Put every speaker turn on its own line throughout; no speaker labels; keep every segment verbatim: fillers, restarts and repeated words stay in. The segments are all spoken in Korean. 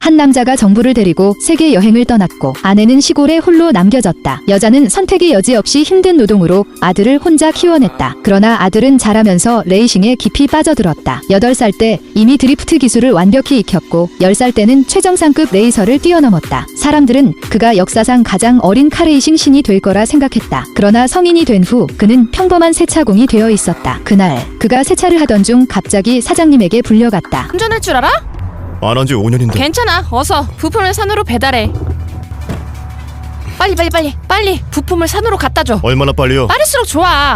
한 남자가 정부를 데리고 세계 여행을 떠났고 아내는 시골에 홀로 남겨졌다. 여자는 선택의 여지 없이 힘든 노동으로 아들을 혼자 키워냈다. 그러나 아들은 자라면서 레이싱에 깊이 빠져들었다. 여덟 살 때 이미 드리프트 기술을 완벽히 익혔고 열 살 때는 최정상급 레이서를 뛰어넘었다. 사람들은 그가 역사상 가장 어린 카레이싱 신이 될 거라 생각했다. 그러나 성인이 된 후 그는 평범한 세차공이 되어 있었다. 그날 그가 세차를 하던 중 갑자기 사장님에게 불려갔다.
운전할 줄 알아?
안 한 지 오 년인데.
괜찮아. 어서 부품을 산으로 배달해. 빨리 빨리 빨리 빨리 부품을 산으로 갖다 줘.
얼마나 빨리요?
빠를수록 좋아.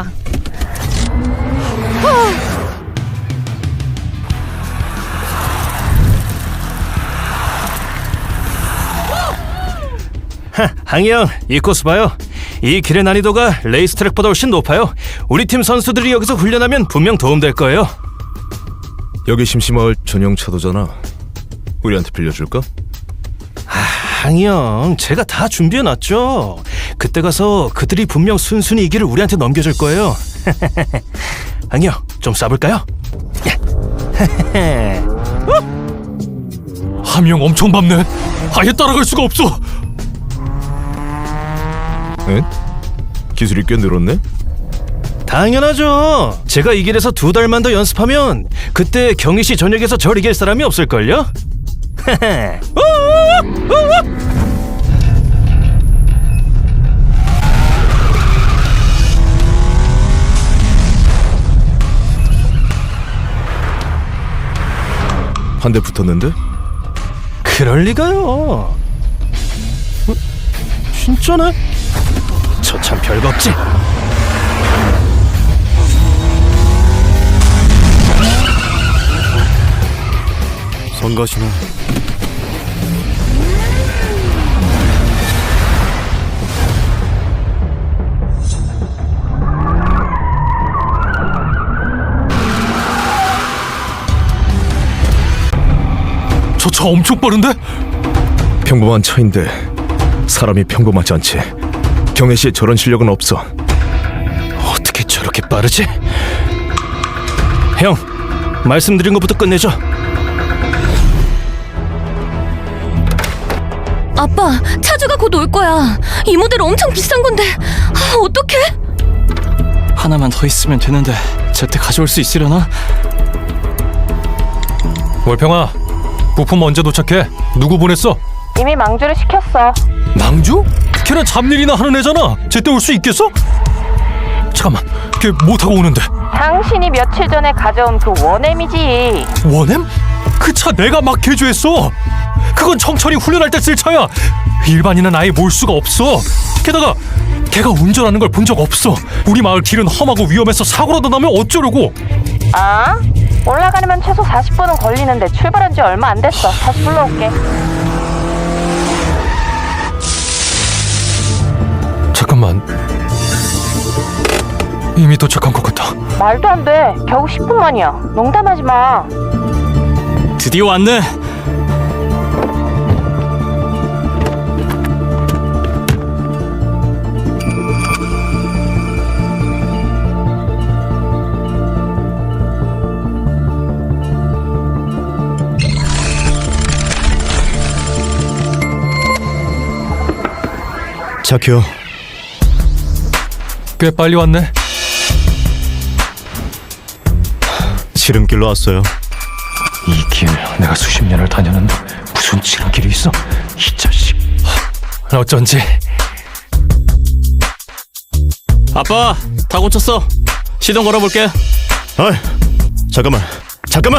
하, 항영, 이 코스 봐요. 이 길의 난이도가 레이스트랙보다 훨씬 높아요. 우리 팀 선수들이 여기서 훈련하면 분명 도움될 거예요.
여기 심심마을 전용 차도잖아. 우리한테 빌려줄까?
항영, 제가 다 준비해놨죠. 그때 가서 그들이 분명 순순히 이 길을 우리한테 넘겨줄 거예요. 항영, 좀 쏴볼까요?
함영 엄청 밟네. 아예 따라갈 수가 없어.
응? 기술이 꽤 늘었네?
당연하죠. 제가 이 길에서 두 달만 더 연습하면 그때 경희씨 전역에서 절 이길 사람이 없을걸요?
한 대 붙었는데?
그럴 리가요. 어? 진짜네? 저 참 별거 없지.
성가시네.
저 차 엄청 빠른데?
평범한 차인데 사람이 평범하지 않지. 경혜 씨의 저런 실력은 없어.
어떻게 저렇게 빠르지? 형, 말씀드린 것부터 끝내죠.
아빠, 차주가 곧 올 거야. 이 모델 엄청 비싼 건데. 아, 어떡해?
하나만 더 있으면 되는데 제때 가져올 수 있으려나? 월평아, 부품 언제 도착해? 누구 보냈어?
이미 망주를 시켰어.
망주? 걔는 잡일이나 하는 애잖아. 제때 올 수 있겠어? 잠깐만, 걔 뭐 타고 오는데?
당신이 며칠 전에 가져온 그 원엠이지.
원엠? 그 차 내가 막 개조했어. 그건 청천이 훈련할 때 쓸 차야. 일반인은 아예 몰 수가 없어. 게다가 걔가 운전하는 걸 본 적 없어. 우리 마을 길은 험하고 위험해서 사고라도 나면 어쩌려고.
아? 올라가려면 최소 사십 분은 걸리는데 출발한 지 얼마 안 됐어. 다시 불러올게.
잠깐만, 이미 도착한 것 같아.
말도 안 돼. 겨우 십 분 만이야. 농담하지 마.
드디어 왔네.
착해요.
꽤 빨리 왔네.
지름길로 왔어요.
이 길 내가 수십 년을 다녔는데 무슨 지름길이 있어? 이 자식. 어쩐지.
아빠, 다 고쳤어. 시동 걸어볼게.
아이, 잠깐만, 잠깐만.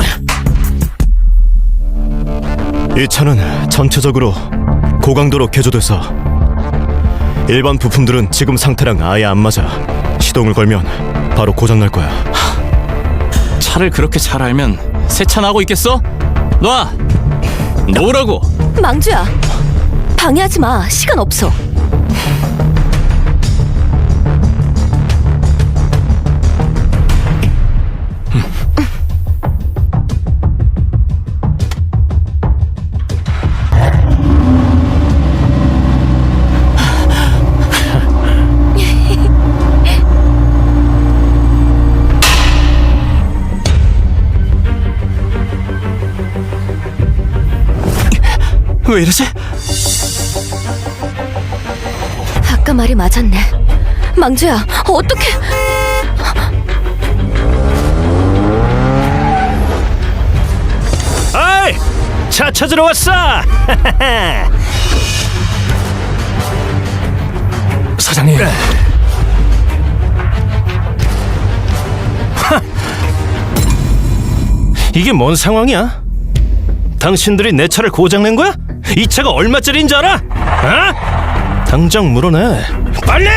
이 차는 전체적으로 고강도로 개조돼서 일반 부품들은 지금 상태랑 아예 안 맞아. 시동을 걸면 바로 고장날 거야.
차를 그렇게 잘 알면 세차 나고 있겠어? 놔! 놓으라고!
망주야, 방해하지 마. 시간 없어.
왜 이러지?
아까 말이 맞았네. 망주야, 어떡해?
아이, 차 찾으러 왔어.
사장님,
이게 뭔 상황이야? 당신들이 내 차를 고장낸 거야? 이 차가 얼마짜리인 줄 알아? 어? 당장 물어내. 빨리!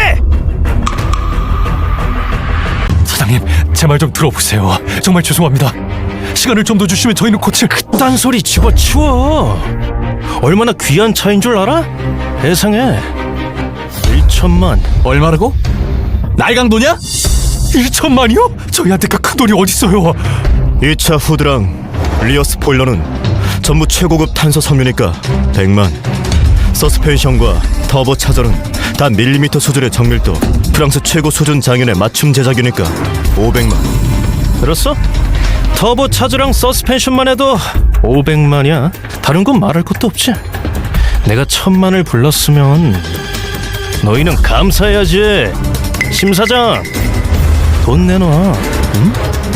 사장님, 제 말 좀 들어보세요. 정말 죄송합니다. 시간을 좀 더 주시면 저희는 고칠.
딴 소리 집어치워. 얼마나 귀한 차인 줄 알아? 세상에. 일천만.
얼마라고? 날강도냐?
일천만이요? 저희한테 그 큰 돈이 어딨어요?
이 차 후드랑 리어 스포일러는 전부 최고급 탄소 섬유니까 백만. 서스펜션과 터보 차저는 단 밀리미터 수준의 정밀도, 프랑스 최고 수준 장인의 맞춤 제작이니까 오백만.
들었어? 터보 차저랑 서스펜션만 해도 오백만이야. 다른 건 말할 것도 없지. 내가 천만을 불렀으면 너희는 감사해야지. 심 사장, 돈 내놔. 응?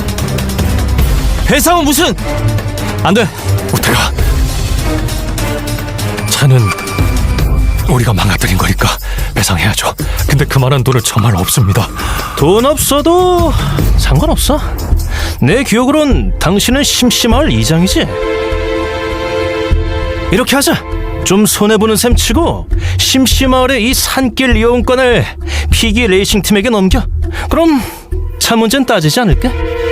배상은 무슨? 안 돼.
우태가, 차는 우리가 망가뜨린 거니까 배상해야죠. 근데 그만한 돈은 정말 없습니다.
돈 없어도 상관없어. 내 기억으론 당신은 심심할 이장이지. 이렇게 하자. 좀 손해보는 셈 치고 심심마을의 이 산길 이용권을 피기 레이싱 팀에게 넘겨. 그럼 차 문제는 따지지 않을까?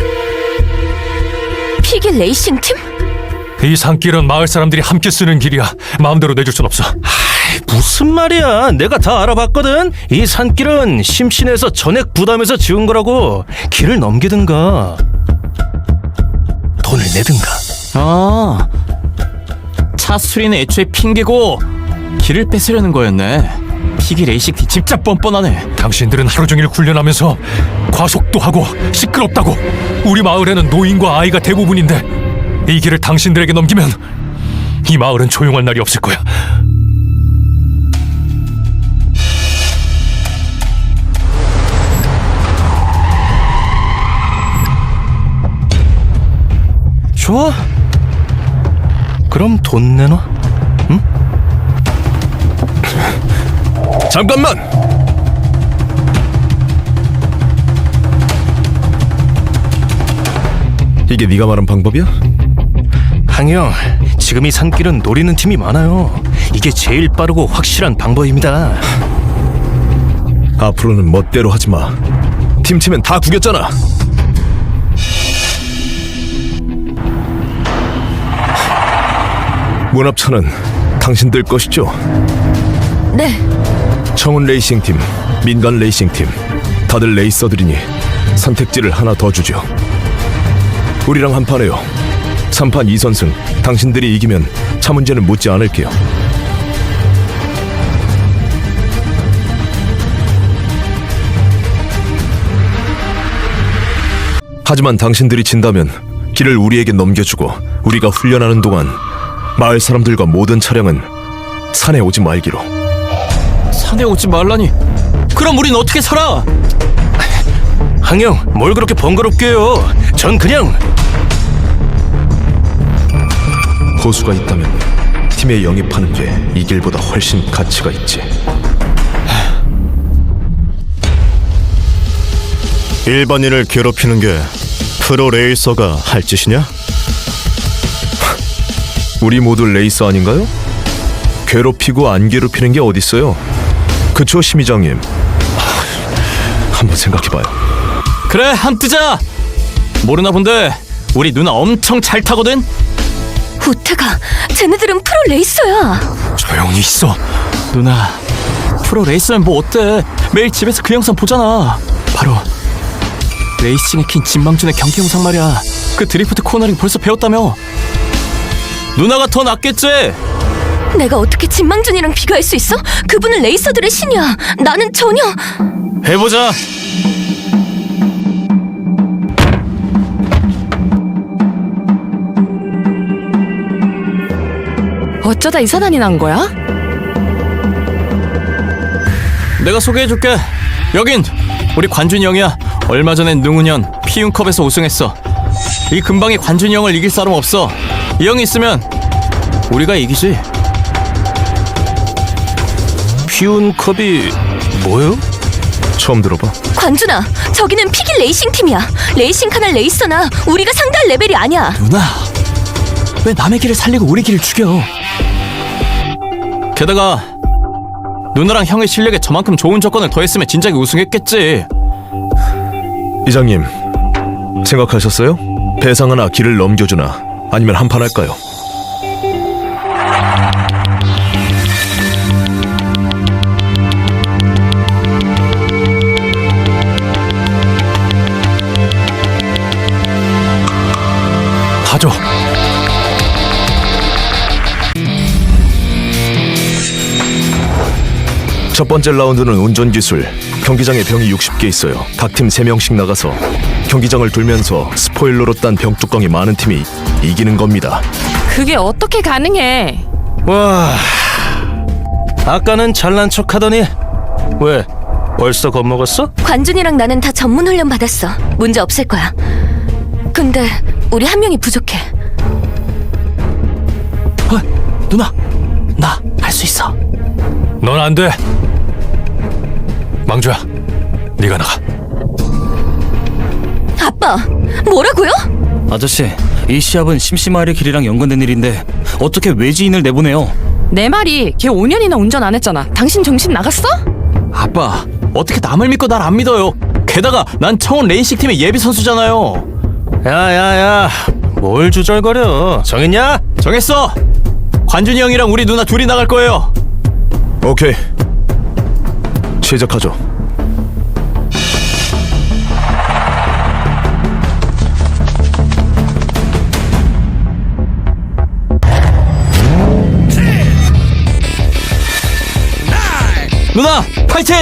피기 레이싱 팀?
이 산길은 마을 사람들이 함께 쓰는 길이야. 마음대로 내줄 순 없어.
무슨 말이야. 내가 다 알아봤거든. 이 산길은 심신에서 전액 부담해서 지은 거라고. 길을 넘기든가 돈을 내든가.
아, 차 수리는 애초에 핑계고 길을 뺏으려는 거였네. 피기 레이싱 팀 진짜 뻔뻔하네.
당신들은 하루 종일 훈련하면서 과속도 하고 시끄럽다고. 우리 마을에는 노인과 아이가 대부분인데 이 길을 당신들에게 넘기면 이 마을은 조용할 날이 없을 거야.
좋아. 그럼 돈 내놔. 응?
잠깐만! 이게 네가 말한 방법이야?
항영, 지금 이 산길은 노리는 팀이 많아요. 이게 제일 빠르고 확실한 방법입니다.
앞으로는 멋대로 하지 마. 팀 치면 다 구겼잖아. 문합차는 당신들 것이죠?
네.
청운 레이싱팀, 민간 레이싱팀, 다들 레이서들이니 선택지를 하나 더 주죠. 우리랑 한판 해요. 삼판 이선승. 당신들이 이기면 차 문제는 묻지 않을게요. 하지만 당신들이 진다면 길을 우리에게 넘겨주고 우리가 훈련하는 동안 마을 사람들과 모든 차량은 산에 오지 말기로.
산에 오지 말라니. 그럼 우린 어떻게 살아?
항영, 뭘 그렇게 번거롭게 해요. 전 그냥
고수가 있다면 팀에 영입하는 게 이 길보다 훨씬 가치가 있지. 일반인을 괴롭히는 게 프로 레이서가 할 짓이냐? 우리 모두 레이서 아닌가요? 괴롭히고 안 괴롭히는 게 어딨어요? 그쵸, 심의장님? 한번 생각해봐요.
그래, 한 뜨자. 모르나 본데 우리 누나 엄청 잘 타거든.
우태가, 쟤네들은 프로 레이서야.
조용히 있어.
누나, 프로 레이서면 뭐 어때? 매일 집에서 그 영상 보잖아. 바로 레이싱에 킨 진망준의 경기 영상 말이야. 그 드리프트 코너링 벌써 배웠다며. 누나가 더 낫겠지?
내가 어떻게 진망준이랑 비교할 수 있어? 그분은 레이서들의 신이야. 나는 전혀.
해보자.
어쩌다 이 사단이 난 거야?
내가 소개해줄게. 여긴 우리 관준이 형이야. 얼마 전엔 능훈현 피움컵에서 우승했어. 이 근방에 관준이 형을 이길 사람 없어. 이 형이 있으면 우리가 이기지.
피운컵이 뭐요?
처음 들어봐.
관준아, 저기는 피기 레이싱 팀이야. 레이싱 카날 레이서나 우리가 상대할 레벨이 아니야.
누나, 왜 남의 길을 살리고 우리 길을 죽여? 게다가 누나랑 형의 실력에 저만큼 좋은 조건을 더했으면 진작에 우승했겠지.
이장님, 생각하셨어요? 배상하나 길을 넘겨주나 아니면 한판 할까요?
하죠.
첫 번째 라운드는 운전기술. 경기장에 병이 육십 개 있어요. 각 팀 세 명씩 나가서 경기장을 돌면서 스포일러로 딴 병뚜껑이 많은 팀이 이기는 겁니다.
그게 어떻게 가능해?
와, 아까는 잘난 척하더니 왜 벌써 겁먹었어?
관준이랑 나는 다 전문 훈련 받았어. 문제 없을 거야. 근데 우리 한 명이 부족해.
어, 누나, 나 할 수 있어.
넌 안 돼. 망주야, 네가 나가.
아빠, 뭐라고요?
아저씨, 이 시합은 심심하리 길이랑 연관된 일인데 어떻게 외지인을 내보내요?
내 말이 걔 오 년이나 운전 안 했잖아. 당신 정신 나갔어?
아빠, 어떻게 남을 믿고 날 안 믿어요? 게다가 난 청원 레이싱 팀의 예비 선수잖아요.
야야야, 뭘 주절거려? 정했냐?
정했어. 관준이 형이랑 우리 누나 둘이 나갈 거예요.
오케이, 시작하죠.
누나, 파이팅!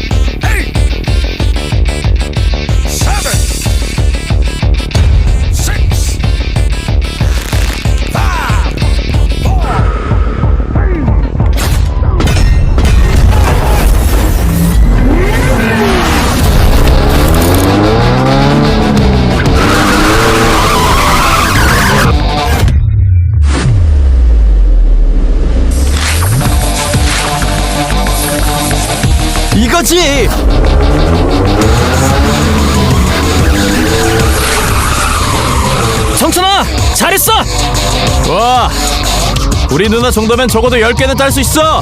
이거지!
성천아, 잘했어!
와, 우리 누나 정도면 적어도 열 개는 딸 수 있어!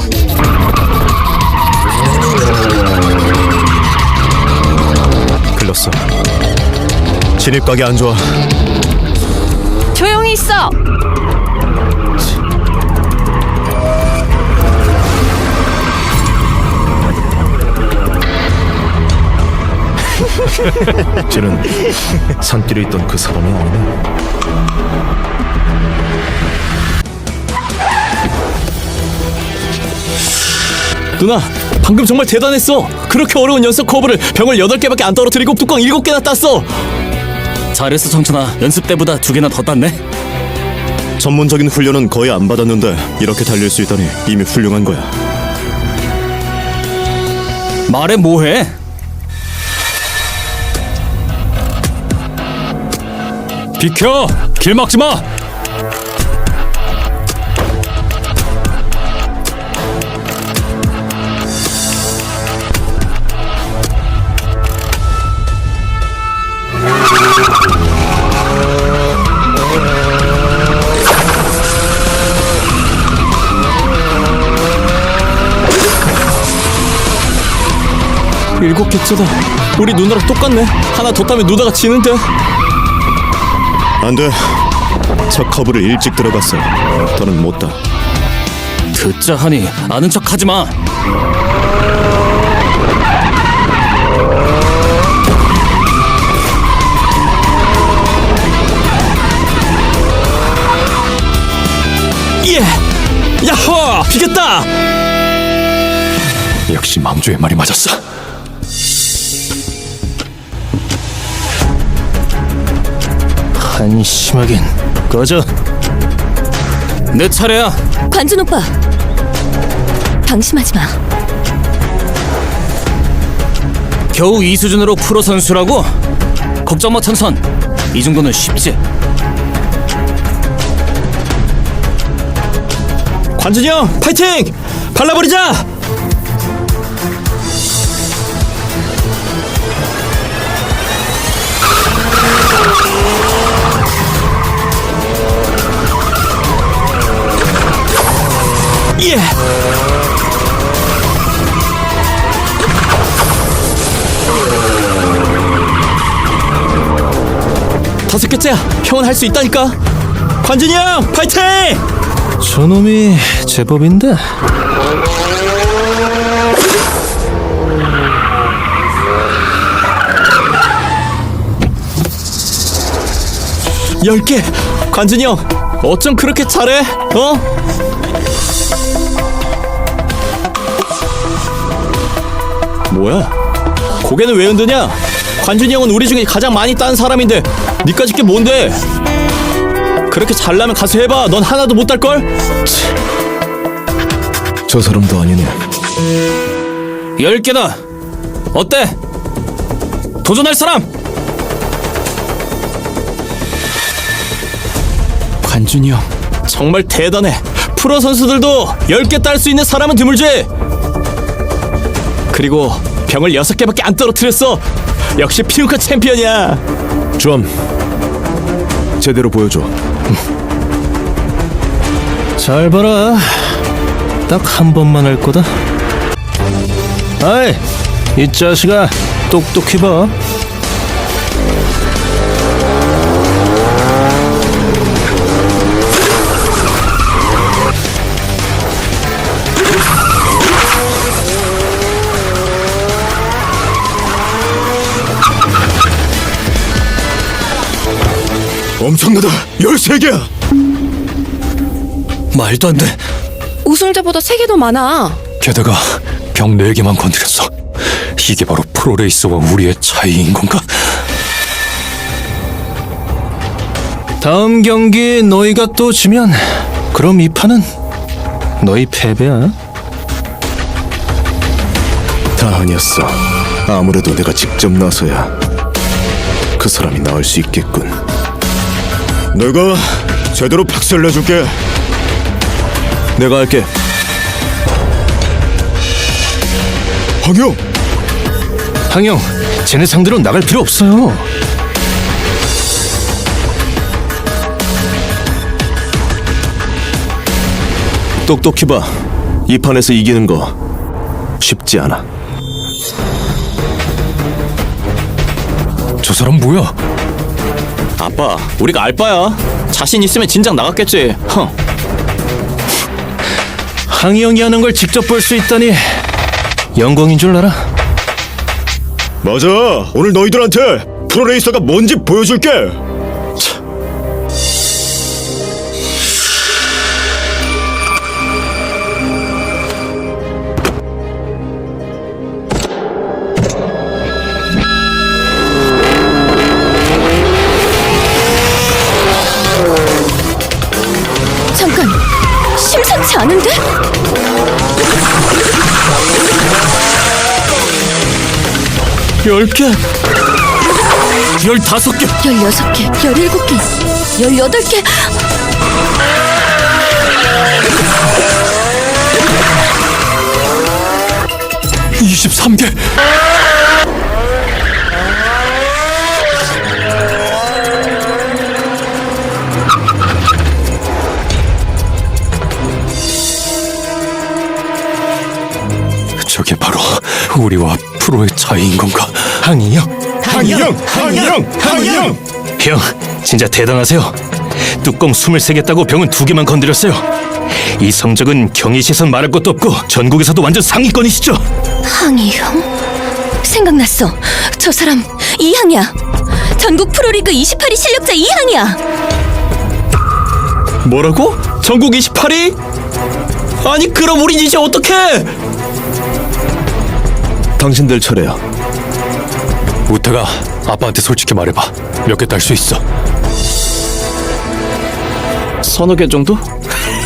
글렀어. 진입각이 안 좋아.
조용히 있어.
쟤는 산길에 있던 그 사람이 아니네.
누나, 방금 정말 대단했어. 그렇게 어려운 연습 커브를 병을 여덟 개밖에 안 떨어뜨리고 뚜껑 일곱 개나 땄어.
잘했어 성천아, 연습 때보다 두 개나 더 땄네.
전문적인 훈련은 거의 안 받았는데 이렇게 달릴 수 있다니 이미 훌륭한 거야.
말해 뭐해?
비켜! 길 막지 마!
일곱 개째다. 우리 누나랑 똑같네. 하나 더 따면 누나가 지는데.
안 돼. 첫 커브를 일찍 들어갔어. 더는 못 따.
듣자 하니 아는 척 하지 마.
예! 야호! 비겼다!
역시 망주의 말이 맞았어.
한심하긴. 꺼져.
내 차례야.
관준 오빠, 방심하지 마.
겨우 이 수준으로 프로 선수라고? 걱정 마 천선. 이 정도는 쉽지.
관준이 형 파이팅! 발라버리자! 예! 다섯 개째야. 형은 할 수 있다니까. 관준이 형 파이팅!
저놈이 제법인데.
열 개. 관준이 형 어쩜 그렇게 잘해? 어? 뭐야? 고개는 왜 흔드냐? 관준이 형은 우리 중에 가장 많이 딴 사람인데 니까짓 게 뭔데? 그렇게 잘나면 가서 해봐. 넌 하나도 못 딸걸?
저 사람도 아니네.
열 개다. 어때? 도전할 사람?
관준이 형 정말 대단해. 프로 선수들도 열 개 딸 수 있는 사람은 드물지. 그리고 병을 여섯 개밖에 안 떨어뜨렸어. 역시 피우카 챔피언이야.
좀 제대로 보여줘.
잘 봐라. 딱 한 번만 할 거다. 아이, 이 자식아, 똑똑히 봐.
엄청나다. 열세 개야.
말도 안 돼.
우승자보다 세 개 더 많아.
게다가 병 네 개만 건드렸어. 이게 바로 프로레이서와 우리의 차이인 건가?
다음 경기 너희가 또 지면 그럼 이 판은 너희 패배야.
다 아니었어. 아무래도 내가 직접 나서야 그 사람이 나을 수 있겠군. 내가 제대로 박살 내줄게. 내가 할게. 황영!
항영, 쟤네 상대로 나갈 필요 없어요.
똑똑히 봐. 이 판에서 이기는 거 쉽지 않아.
저 사람 뭐야?
아빠, 우리가 알바야. 자신 있으면 진작 나갔겠지. 허.
항영이 하는 걸 직접 볼 수 있다니 영광인 줄 알아.
맞아. 오늘 너희들한테 프로레이서가 뭔지 보여줄게.
잠깐, 심상치 않은데?
열 개.
열다섯 개.
열여섯 개, 열일곱 개, 열여덟 개.
이십삼 개. 저게 바로 우리와 프로의 차이인 건가?
항이요?
항영! 항영! 항영!
형, 진짜 대단하세요. 뚜껑 스물세 개 따고 병은 두 개만 건드렸어요. 이 성적은 경희 시선 말할 것도 없고 전국에서도 완전 상위권이시죠?
항이 형? 생각났어. 저 사람 이항이야. 전국 프로리그 이십팔 위 실력자 이항이야.
뭐라고? 전국 이십팔 위? 아니 그럼 우린 이제 어떡해?
당신들 차례야.
우태가 아빠한테 솔직히 말해봐. 몇 개 딸 수 있어?
서너 개 정도?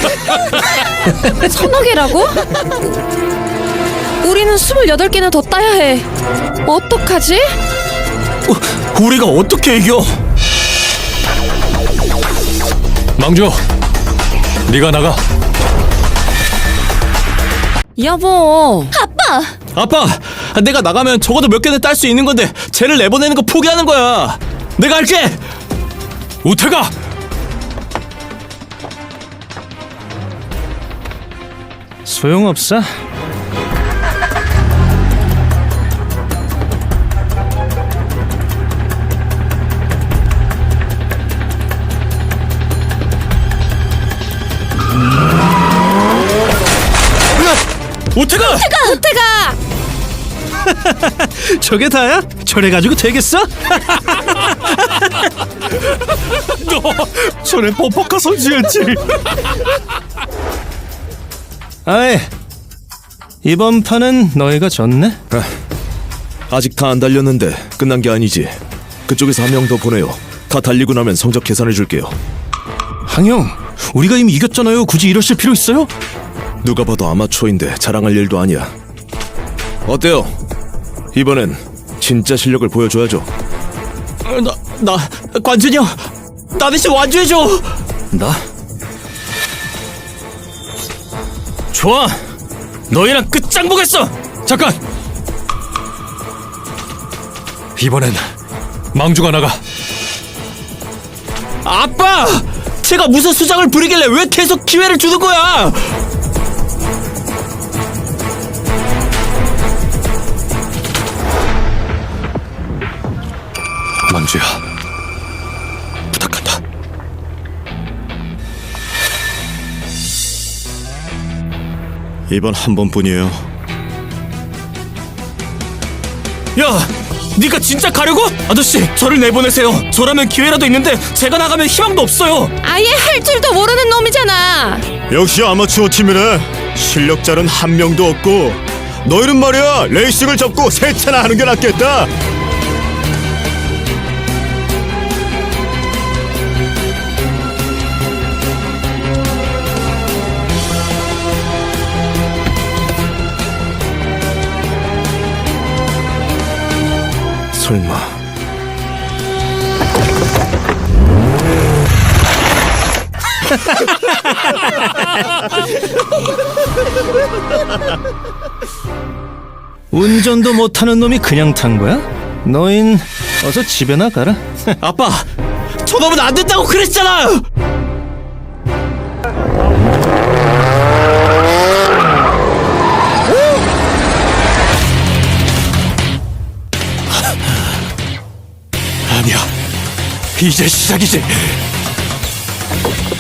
서너 개라고? 우리는 스물여덟 개나 더 따야 해. 어떡하지?
어, 우리가 어떻게 이겨?
망주, 네가 나가.
여보.
아빠!
아빠, 내가 나가면 적어도 몇 개는 딸 수 있는 건데 쟤를 내보내는 거 포기하는 거야. 내가 할게.
우태가!
소용없어.
우태가!
우태가!
저게 다야? 저래가지고 되겠어?
너 전에 버퍼카 선수였지.
아이, 이번 판은 너희가 졌네.
아직 다 안 달렸는데 끝난 게 아니지. 그쪽에서 한 명 더 보내요. 다 달리고 나면 성적 계산해 줄게요.
항영, 우리가 이미 이겼잖아요. 굳이 이러실 필요 있어요?
누가 봐도 아마추어인데 자랑할 일도 아니야. 어때요? 이번엔 진짜 실력을 보여줘야죠.
어, 나, 나, 관준이 형, 나 대신 완주해줘.
나? 좋아. 너희랑 끝장 보겠어.
잠깐. 이번엔 망주가 나가.
아빠! 제가 무슨 수작을 부리길래 왜 계속 기회를 주는 거야?
망주야, 부탁한다.
이번 한 번뿐이에요.
야, 네가 진짜 가려고? 아저씨, 저를 내보내세요. 저라면 기회라도 있는데 제가 나가면 희망도 없어요.
아예 할 줄도 모르는 놈이잖아.
역시 아마추어 팀이네. 실력자는 한 명도 없고 너희는 말이야 레이싱을 접고 세차나 하는 게 낫겠다. 설마
운전도 못하는 놈이 그냥 탄 거야? 너흰 어서 집에나 가라.
아빠, 저놈은 안 된다고 그랬잖아!
아니야, 이제 시작이지.